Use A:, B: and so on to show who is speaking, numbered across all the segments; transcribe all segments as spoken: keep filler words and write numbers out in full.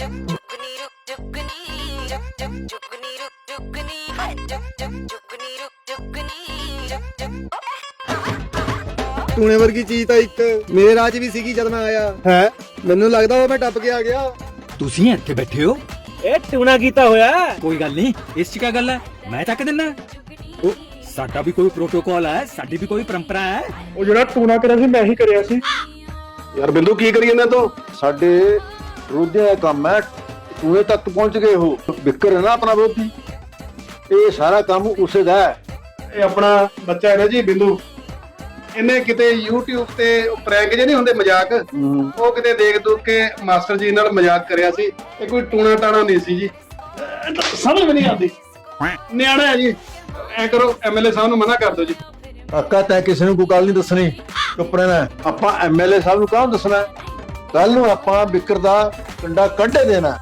A: ਟੂਣੇ ਵਰਗੀ ਚੀਜ਼ ਤਾਂ ਇੱਕ ਮੇਰੇ ਰਾਹ 'ਚ ਵੀ ਸੀਗੀ ਜਦ ਮੈਂ ਆਇਆ ਹੈ। ਮੈਨੂੰ ਲੱਗਦਾ ਉਹ ਮੈਂ ਟੱਪ ਕੇ ਆ ਗਿਆ।
B: ਤੁਸੀਂ ਇੱਥੇ ਬੈਠੇ ਹੋ? ਇਹ ਟੂਣਾ ਕੀਤਾ ਹੋਇਆ। ਕੋਈ ਗੱਲ ਨਹੀਂ, ਇਸ 'ਚ ਕੀ ਗੱਲ ਹੈ, ਮੈਂ ਚੱਕ ਦਿੰਦਾ। ਉਹ ਸਾਡਾ ਵੀ ਕੋਈ ਪ੍ਰੋਟੋਕਾਲ ਹੈ, ਸਾਡੀ ਵੀ ਕੋਈ ਪਰੰਪਰਾ ਹੈ।
C: ਉਹ ਜਿਹੜਾ ਟੂਣਾ ਕਰਿਆ ਸੀ ਮੈਂ ਹੀ ਕਰਿਆ ਸੀ।
D: ਯਾਰ ਬਿੰਦੂ ਕੀ ਕਰੀ ਇਹਨਾਂ ਤੋਂ? ਸਾਡੇ ਵਿਰੋਧੀਆਂ ਦਾ ਕੰਮ ਹੈ, ਟੂਣੇ ਤੱਕ ਪਹੁੰਚ ਗਏ ਹੋ। ਵਿਕਰ ਹੈ ਨਾ ਆਪਣਾ ਵਿਰੋਧੀ, ਇਹ ਸਾਰਾ ਕੰਮ ਉਸੇ ਦਾ ਹੈ।
C: ਇਹ ਆਪਣਾ ਬੱਚਾ ਹੈ ਨਾ ਜੀ ਬਿੰਦੂ, ਇਹਨੇ ਕਿਤੇ YouTube ਤੇ ਪ੍ਰੈਂਕ ਜੇ ਨਹੀਂ ਹੁੰਦੇ ਮਜ਼ਾਕ, ਉਹ ਕਿਤੇ ਦੇਖ ਦੁੱਖ ਕੇ ਮਾਸਟਰ ਜੀ ਨਾਲ ਮਜ਼ਾਕ ਕਰਿਆ ਸੀ। ਇਹ ਕੋਈ ਟੂਣਾ ਟਾਣਾ ਨਹੀਂ ਸੀ ਜੀ, ਸਮਝ ਵੀ ਨਹੀਂ ਆਉਂਦੀ। ਨਿਆਣਾ ਹੈ ਜੀ, ਐ ਕਰੋ ਐਮਐਲਏ ਸਾਹਿਬ ਨੂੰ ਮਨਾ ਕਰ ਦਿਓ ਜੀ।
D: ਕਾਕਾ ਤੈਂ ਕਿਸੇ ਨੂੰ ਕੋਈ ਗੱਲ ਨਹੀਂ ਦੱਸਣੀ, ਚੁੱਪ ਰਹਿਣਾ। ਆਪਾਂ ਐਮਐਲਏ ਸਾਹਿਬ ਨੂੰ ਕਾਹਨੂੰ ਦੱਸਣਾ? ਕੱਲ ਨੂੰ ਆਪਾਂ ਵਿਕਰ ਦਾ ਕੰਡਾ ਕੱਢੇ ਦੇਣਾ।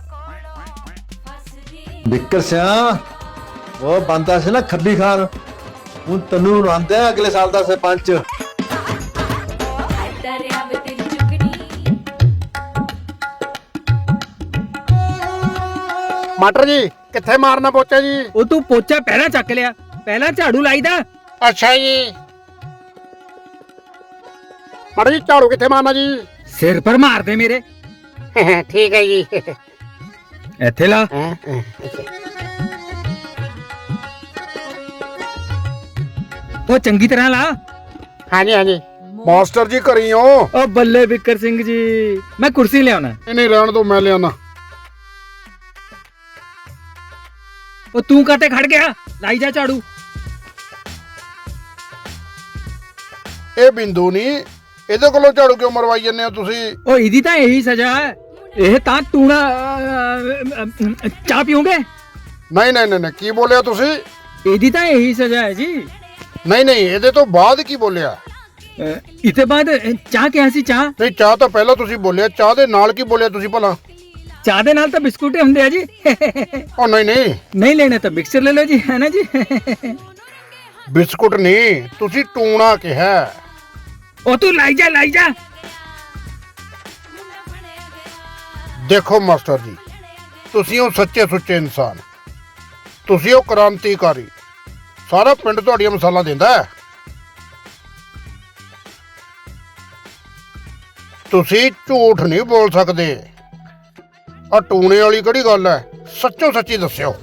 D: ਵਿਕਰ ਸਿਆ ਉਹ ਬੰਦਾ ਸੀ ਨਾ ਖੱਬੀ ਖਾਨ, ਹੁਣ ਤੈਨੂੰ ਰਵਾਂਦਾ ਅਗਲੇ ਸਾਲ ਦਾ ਸਰਪੰਚ।
C: ਮਾਸਟਰ ਜੀ ਕਿੱਥੇ ਮਾਰਨਾ ਪੋਚਾ ਜੀ?
B: ਉਹ ਤੂੰ ਪੋਚਾ ਪਹਿਲਾਂ ਚੱਕ ਲਿਆ, ਪਹਿਲਾਂ ਝਾੜੂ ਲਾਈਦਾ।
C: ਅੱਛਾ ਜੀ ਮਾਸਟਰ ਜੀ, ਝਾੜੂ ਕਿੱਥੇ ਮਾਰਨਾ ਜੀ?
B: ਸਿਰ ਪਰ ਮਾਰ ਦੇ ਮੇਰੇ।
C: ਠੀਕ ਹੈ ਜੀ।
B: ਇੱਥੇ ਲਾ। ਉਹ ਚੰਗੀ ਤਰ੍ਹਾਂ ਲਾ।
C: ਹਾਂਜੀ ਹਾਂਜੀ ਮਾਸਟਰ ਜੀ ਘਰੀ ਹੋ?
B: ਉਹ ਬੱਲੇ ਵਿਕਰ ਸਿੰਘ ਜੀ, ਮੈਂ ਕੁਰਸੀ ਲਿਆਉਣਾ।
C: ਨਹੀਂ ਰਹਿਣ ਦੋ, ਮੈਂ ਲਿਆਣਾ।
B: ਉਹ ਤੂੰ ਕਾਤੇ ਖੜ ਗਿਆ? ਲਾਈ ਜਾ ਝਾੜੂ।
C: ਇਹ ਬਿੰਦੂ ਨਹੀਂ, ਇਹਦੇ ਕੋਲੋਂ ਝਾੜੂ ਕਿਉਂ ਮਰਵਾਈ ਜਾਂਦੇ ਹੋ ਤੁਸੀਂ?
B: ਉਹ ਇਹਦੀ ਤਾਂ ਇਹੀ ਸਜ਼ਾ ਹੈ। ਇਹ ਤਾਂ ਟੂਣਾ ਅਹ, ਅਹ, ਚਾਹ ਪੀਓਗੇ?
C: ਨਹੀਂ ਨਹੀਂ ਨਹੀਂ, ਕੀ ਬੋਲਿਆ ਤੁਸੀਂ?
B: ਇਹਦੀ ਤਾਂ ਇਹੀ ਸਜ਼ਾ ਹੈ ਜੀ।
C: ਨਹੀਂ ਨਹੀਂ, ਇਹਦੇ ਤੋਂ ਬਾਅਦ ਕੀ ਬੋਲਿਆ?
B: ਇਤੇ ਬਾਅਦ ਚਾਹ ਕਿਹਾ ਸੀ? ਚਾਹ
C: ਨਹੀਂ, ਚਾਹ ਤਾਂ ਪਹਿਲਾਂ ਤੁਸੀਂ ਬੋਲਿਆ, ਚਾਹ ਦੇ ਨਾਲ ਕੀ ਬੋਲਿਆ ਤੁਸੀਂ ਭਲਾ?
B: ਚਾਹ ਦੇ ਨਾਲ ਤਾਂ ਬਿਸਕੁਟ ਹੁੰਦੇ ਆ ਜੀ।
C: ਉਹ ਨਹੀਂ ਨਹੀਂ,
B: ਨਹੀਂ ਲੈਣੇ ਤਾਂ ਮਿਕਸਚਰ ਲੈ ਲਓ ਜੀ, ਹੈ ਨਾ ਜੀ।
C: ਬਿਸਕੁਟ ਨਹੀਂ, ਤੁਸੀਂ ਟੂਣਾ ਕਿਹਾ।
B: ਉਹ ਤੂੰ ਲਾਈ ਜਾ ਲਾਈ ਜਾ।
C: ਦੇਖੋ ਮਾਸਟਰ ਜੀ, ਤੁਸੀਂ ਉਹ ਸੱਚੇ ਸੁੱਚੇ ਇਨਸਾਨ, ਤੁਸੀਂ ਉਹ ਕ੍ਰਾਂਤੀਕਾਰੀ। ਸਾਰਾ ਪਿੰਡ ਤੁਹਾਡੀਆਂ ਮਿਸਾਲਾਂ ਦਿੰਦਾ ਹੈ। ਤੁਸੀਂ ਝੂਠ ਨਹੀਂ ਬੋਲ ਸਕਦੇ। ਆ ਟੂਣੇ ਵਾਲੀ ਕਿਹੜੀ ਗੱਲ ਹੈ? ਸੱਚੋ ਸੱਚੀ ਦੱਸਿਓ।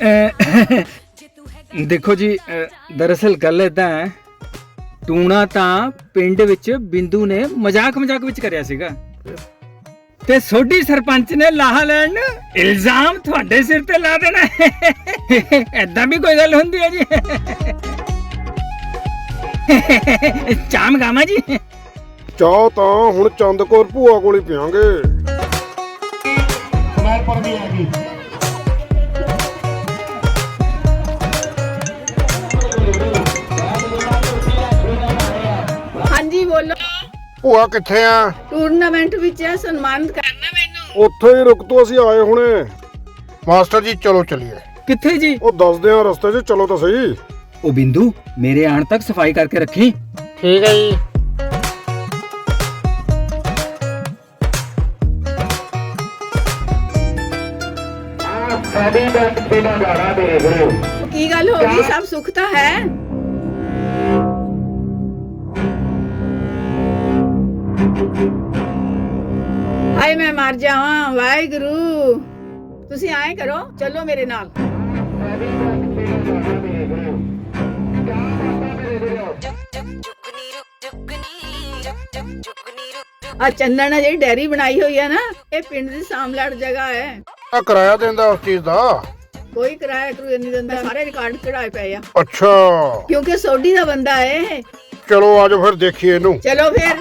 B: ਦੇਖੋ ਜੀ, ਦਰਅਸਲ ਗੱਲ ਏਦਾਂ ਹੈ, ਟੂਣਾ ਤਾਂ ਪਿੰਡ ਵਿੱਚ ਬਿੰਦੂ ਨੇ ਮਜ਼ਾਕ ਮਜ਼ਾਕ ਵਿੱਚ ਕਰਿਆ ਸੀਗਾ, ਤੇ ਸੋਢੀ ਸਰਪੰਚ ਨੇ ਲਾਹਾ ਲੈਣ ਇਲਜ਼ਾਮ ਤੁਹਾਡੇ ਸਿਰ ਤੇ ਲਾ ਦੇਣਾ। ਏਦਾਂ ਵੀ ਕੋਈ ਗੱਲ ਹੁੰਦੀ ਹੈ ਜੀ? ਚਾਮ ਗਾਮਾ ਜੀ।
C: ਚਾਹ ਤਾਂ ਹੁਣ ਚੰਦਕੌਰ ਭੂਆ ਕੋਲ ਹੀ ਪੀਵਾਂਗੇ। ਸਮਾਰਪੁਰ ਦੀ ਆ ਗਈ।
E: ਹਾਂਜੀ ਬੋਲੋ।
C: ਭੂਆ ਕਿੱਥੇ ਆ?
E: ਟੂਰਨਾਮੈਂਟ ਵਿੱਚ ਹੈ, ਸਨਮਾਨਿਤ ਕਰਨਾ ਮੈਨੂੰ।
C: ਉੱਥੇ ਹੀ ਰੁਕ ਤੋ, ਅਸੀਂ ਆਏ ਹੁਣੇ। ਮਾਸਟਰ ਜੀ ਚਲੋ ਚਲੀਏ।
B: ਕਿੱਥੇ ਜੀ?
C: ਉਹ ਦੱਸਦੇ ਆ ਰਸਤੇ 'ਚ, ਚਲੋ ਤਾਂ ਸਹੀ।
B: ਉਹ ਬਿੰਦੂ, ਮੇਰੇ ਆਉਣ ਤੱਕ ਸਫਾਈ ਕਰਕੇ ਰੱਖੀ।
C: ਠੀਕ ਹੈ ਜੀ।
E: ਕੀ ਗੱਲ ਹੋ ਗਈ? ਸਭ ਸੁੱਖ ਤਾਂ ਹੈ। ਹਾਏ ਮੈਂ ਮਰ ਜਾਵਾਂ, ਵਾਹਿਗੁਰੂ। ਤੁਸੀਂ ਆਏ ਕਰੋ, ਚਲੋ ਮੇਰੇ ਨਾਲ। ਆ ਚੰਦਨ ਜਿਹੜੀ ਡੈਰੀ ਬਣਾਈ ਹੋਈ ਹੈ ਨਾ, ਇਹ ਪਿੰਡ ਦੀ ਸਾਮਲੜ ਜਗ੍ਹਾ ਹੈ।
C: ਆ ਕਿਰਾਇਆ ਦਿੰਦਾ ਉਸ ਚੀਜ਼ ਦਾ?
E: ਕੋਈ ਕਿਰਾਇਆ ਕਰੂ ਨਹੀਂ ਦਿੰਦਾ, ਸਾਰੇ ਰਿਕਾਰਡ ਕਢਾਏ ਪਏ ਆ।
C: ਅੱਛਾ,
E: ਕਿਉਂਕਿ ਸੋਢੀ ਦਾ ਬੰਦਾ ਹੈ।
C: ਚਲੋ ਆਜੋ ਫਿਰ ਦੇਖੀਏ ਇਹਨੂੰ।
E: ਚਲੋ ਫਿਰ।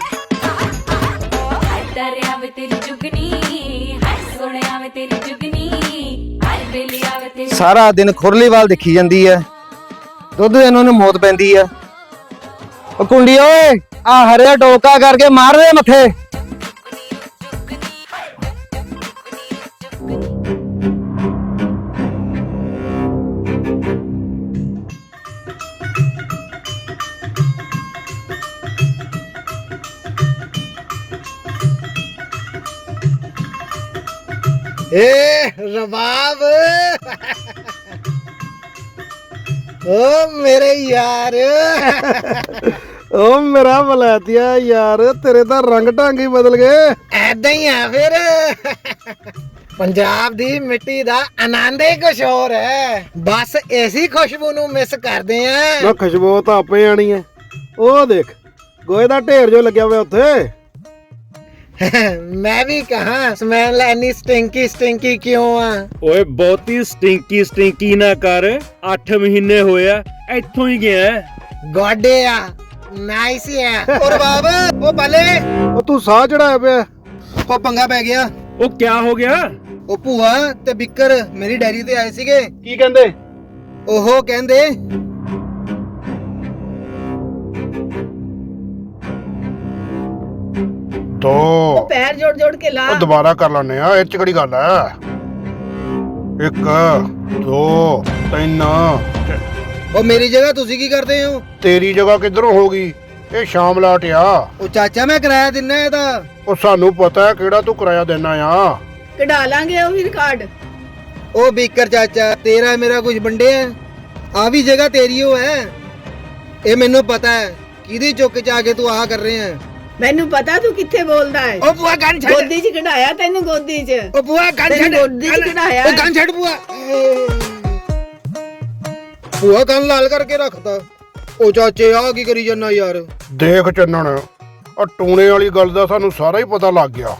A: ਸਾਰਾ ਦਿਨ ਖੁਰਲੀਵਾਲ ਦੇਖੀ ਜਾਂਦੀ ਐ, ਦੁੱਧ ਇਹਨਾਂ ਨੂੰ ਮੌਤ ਪੈਂਦੀ ਐ। ਉਹ ਕੁੰਡੀ ਓਏ, ਆ ਹਰਿਆ ਟੋਕਾ ਕਰਕੇ ਮਾਰ ਦੇ ਮੱਥੇ। ਏ ਰਬਾਬ ਓ ਮੇਰੇ ਯਾਰ
C: ਓ ਮੇਰਾ ਬਲਾਤੀਆ ਯਾਰ, ਤੇਰੇ ਤਾਂ ਰੰਗ ਢੰਗ ਹੀ ਬਦਲ ਗਏ।
A: ਐਦਾਂ ਹੀ ਆ ਫਿਰ। ਪੰਜਾਬ ਦੀ ਮਿੱਟੀ ਦਾ ਆਨੰਦ ਹੀ ਕੁਛ ਹੋਰ ਹੈ। ਬਸ ਐਸੀ ਖੁਸ਼ਬੂ ਨੂੰ ਮਿਸ ਕਰਦੇ ਆ।
C: ਨਾ ਖੁਸ਼ਬੂ ਤਾਂ ਆਪੇ ਆਣੀ ਹੈ। ਉਹ ਦੇਖ ਗੋਹੇ ਦਾ ਢੇਰ ਜੋ ਲੱਗਿਆ ਹੋਇਆ ਉੱਥੇ।
A: ਮੈਂ ਵੀ ਕਹਾਂ ਸਮੈਲ ਐਨੀ ਸਟਿੰਕੀ ਸਟਿੰਕੀ ਕਿਉਂ ਆ?
B: ਓਏ ਬਹੁਤੀ ਸਟਿੰਕੀ ਸਟਿੰਕੀ ਨਾ ਕਰ, ਅੱਠ ਮਹੀਨੇ ਹੋਇਆ ਇੱਥੋਂ ਹੀ ਗਿਆ।
A: ਗੋਡੇ ਆ ਨਾਈਸ ਆ। ਔਰ ਬਾਬਾ ਉਹ ਪਾਲੇ
C: ਉਹ ਤੂੰ ਸਾਹ ਚੜਾਇਆ ਪਿਆ।
A: ਉਹ ਪੰਗਾ ਪੈ ਗਿਆ।
B: ਉਹ ਕਿਆ ਹੋ ਗਿਆ?
A: ਉਹ ਭੂਆ ਤੇ ਬਿੱਕਰ ਮੇਰੀ ਡੈਰੀ ਤੇ ਆਏ ਸੀਗੇ।
C: ਕੀ ਕਹਿੰਦੇ?
A: ਉਹ ਕਹਿੰਦੇ
C: ਦੋ
E: ਉਹ ਪੈਰ ਜੋੜ ਜੋੜ ਕੇ ਲਾ।
C: ਉਹ ਦੁਬਾਰਾ ਕਰ ਲੈਣੇ ਆ, ਇਹ ਚ ਕਿਹੜੀ ਗੱਲ ਹੈ। ਇੱਕ ਦੋ ਤਿੰਨ।
A: ਉਹ ਮੇਰੀ ਜਗ੍ਹਾ ਤੁਸੀਂ ਕੀ ਕਰਦੇ ਹੋ?
C: ਤੇਰੀ ਜਗ੍ਹਾ ਕਿੱਧਰੋਂ ਹੋ ਗਈ? ਇਹ ਸ਼ਾਮ ਲਾਟ ਆ।
A: ਉਹ ਚਾਚਾ ਮੈਂ ਕਿਰਾਇਆ ਦਿੰਨਾ ਇਹਦਾ।
C: ਉਹ ਸਾਨੂੰ ਪਤਾ ਹੈ ਕਿਹੜਾ ਤੂੰ ਕਿਰਾਇਆ ਦੇਣਾ ਆ।
E: ਕਢਾ ਲਾਂਗੇ ਉਹ ਵੀ ਰਿਕਾਰਡ।
A: ਉਹ ਬਿੱਕਰ ਚਾਚਾ ਤੇਰਾ ਮੇਰਾ ਕੁਝ ਵੰਡਿਆ? ਆ ਵੀ ਜਗ੍ਹਾ ਤੇਰੀ ਓ ਹੈ। ਇਹ ਮੈਨੂੰ ਪਤਾ ਹੈ ਕਿਹਦੀ ਚੁੱਕ ਚ ਆ ਕੇ ਤੂੰ ਆਹ ਕਰ ਰਿਹਾ ਹੈ।
E: ਮੈਨੂੰ ਪਤਾ ਤੂੰ ਕਿੱਥੇ ਬੋਲਦਾ ਹੈ।
A: ਉਹ ਬੁਆ ਗਨ ਛੱਡ।
E: ਗੋਦੀ 'ਚ ਕਢਾਇਆ ਤੈਨੂੰ, ਗੋਦੀ 'ਚ।
A: ਉਹ ਬੁਆ ਗਨ
E: ਤੈਨੂੰ
A: ਛੱਡ।
E: ਗੋਦੀ 'ਚ ਕਢਾਇਆ।
A: ਉਹ ਗਨ ਛੱਡ ਬੁਆ। ਬੁਆ ਗਨ ਲਾਲ ਕਰਕੇ ਰੱਖਤਾ। ਉਹ ਚਾਚੇ ਆ ਕੀ ਕਰੀ ਜਾਂਦਾ ਯਾਰ?
C: ਦੇਖ ਚੰਨਣ, ਆ ਟੂਣੇ ਵਾਲੀ ਗੱਲ ਦਾ ਸਾਨੂੰ ਸਾਰਾ ਹੀ ਪਤਾ ਲੱਗ ਗਿਆ।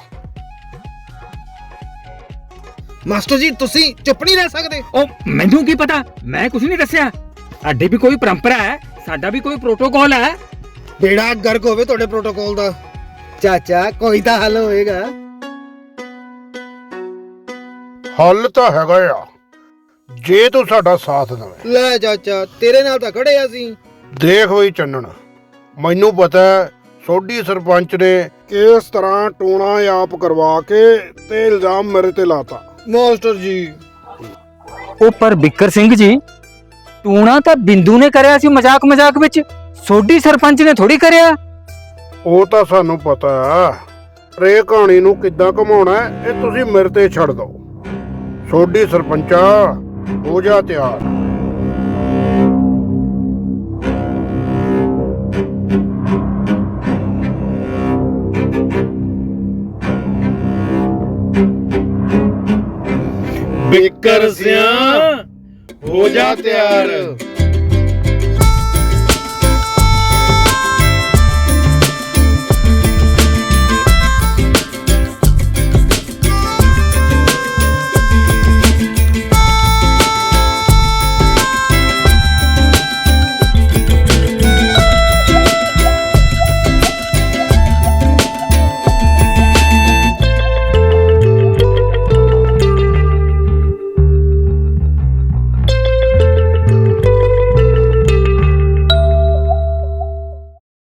A: ਮਾਸਟਰ ਜੀ ਤੁਸੀਂ ਚੁੱਪ ਨਹੀਂ ਰਹਿ ਸਕਦੇ?
B: ਉਹ ਮੈਨੂੰ ਕੀ ਪਤਾ, ਮੈਂ ਕੁਝ ਨਹੀਂ ਦੱਸਿਆ। ਸਾਡੀ ਵੀ ਕੋਈ ਪਰੰਪਰਾ ਹੈ, ਸਾਡਾ ਵੀ ਕੋਈ ਪ੍ਰੋਟੋਕਾਲ ਹੈ।
A: ਬੇੜਾ ਗਰਕ ਹੋਵੇ ਤੁਹਾਡੇ ਪ੍ਰੋਟੋਕਾਲ ਦਾ। ਚਾਚਾ ਕੋਈ ਤਾਂ ਹੱਲ ਹੋਏਗਾ।
C: ਹੱਲ ਤਾਂ ਹੈਗਾ ਆ, ਜੇ ਤੂੰ ਸਾਡਾ ਸਾਥ ਦੇਵੇਂ।
A: ਲੈ ਚਾਚਾ ਤੇਰੇ ਨਾਲ ਤਾਂ ਖੜੇ ਆ ਅਸੀਂ।
C: ਦੇਖ ਬਈ ਚੰਨਣ, ਮੈਨੂੰ ਪਤਾ ਹੈ ਸੋਢੀ ਸਰਪੰਚ ਨੇ ਕਿਸ ਤਰ੍ਹਾਂ ਟੂਣਾ ਆਪ ਕਰਵਾ ਕੇ ਤੇ ਇਲਜ਼ਾਮ ਮੇਰੇ ਤੇ ਲਾਤਾ।
A: ਮਾਸਟਰ ਜੀ
B: ਉਹ ਪਰ ਬਿੱਕਰ ਸਿੰਘ ਜੀ, ਟੂਣਾ ਤਾਂ ਬਿੰਦੂ ਨੇ ਕਰਿਆ ਸੀ ਮਜ਼ਾਕ ਮਜ਼ਾਕ ਵਿੱਚ, ਸੋਢੀ ਸਰਪੰਚ ਨੇ ਥੋੜੀ ਕਰਿਆ।
C: ਉਹ ਤਾਂ ਸਾਨੂੰ ਪਤਾ ਹੈ, ਪਰ ਇਹ ਕਹਾਣੀ ਨੂੰ ਕਿੱਦਾਂ ਘਮਾਉਣਾ ਹੈ, ਇਹ ਤੁਸੀਂ ਮੇਰੇ ਤੇ ਛੱਡ ਦਿਓ। ਸੋਢੀ ਸਰਪੰਚਾ ਹੋ ਜਾ ਤਿਆਰ।
B: ਬਿੱਕਰ ਸਿਆਂ ਹੋ ਜਾ ਤਿਆਰ।